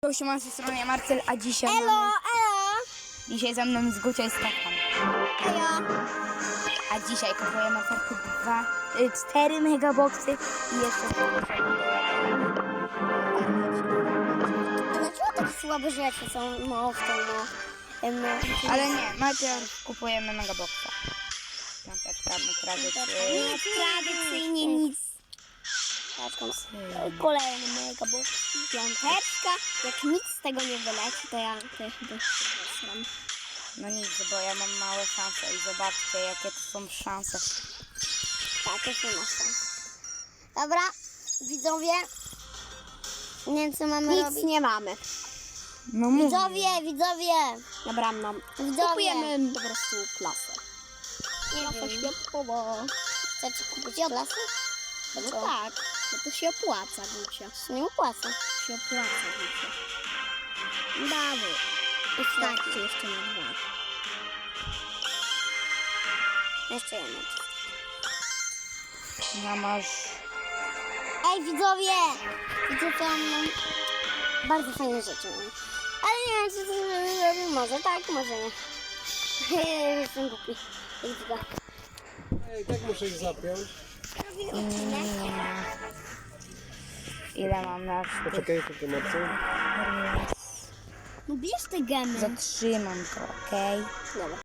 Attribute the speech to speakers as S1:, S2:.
S1: Siema, z tej strony Marcel, a dzisiaj
S2: Elo.
S1: Dzisiaj ze mną z Gucia i Stefan.
S2: Elo.
S1: A dzisiaj kupujemy oferty 4 megaboxy i jeszcze
S2: A dlaczego tak słabe rzeczy są w tym,
S1: Ale nie, najpierw kupujemy megaboxa. Piąteczka,
S2: Nic tradycyjnie nic. Kolejny megabox. Piąteczka. Jak nic z tego nie wyleci, to ja chyba zesram.
S1: No nic, bo ja mam małe szanse i zobaczcie, jakie to są szanse.
S2: Tak, już nie ma szans. Dobra, widzowie. Nie wiem, co mamy robić. Nic nie mamy.
S1: No mówię.
S2: Widzowie.
S3: Dobra, mam.
S2: Widzowie.
S3: Kupujemy po prostu klasę.
S2: Klasa światłowa. Chcecie kupić klasę?
S3: No tak, bo to się opłaca, Gucia.
S2: To nie opłaca.
S3: Się opłaca, Gucia. Brawo. Wystarczy jeszcze na 2.
S2: Jeszcze jedno.
S1: No masz...
S2: Ej, widzowie! Widzicie, tam bardzo fajne rzeczy mam. Ale nie wiem, czy to zrobię. Może tak, może nie. Jestem głupi.
S4: Ej, tak muszę ich zapiąć.
S1: Ile mam na
S4: Poczekaj, tylko Marcel.
S2: No bierz te gemy.
S1: Zatrzymam to, okej?
S2: Dobra.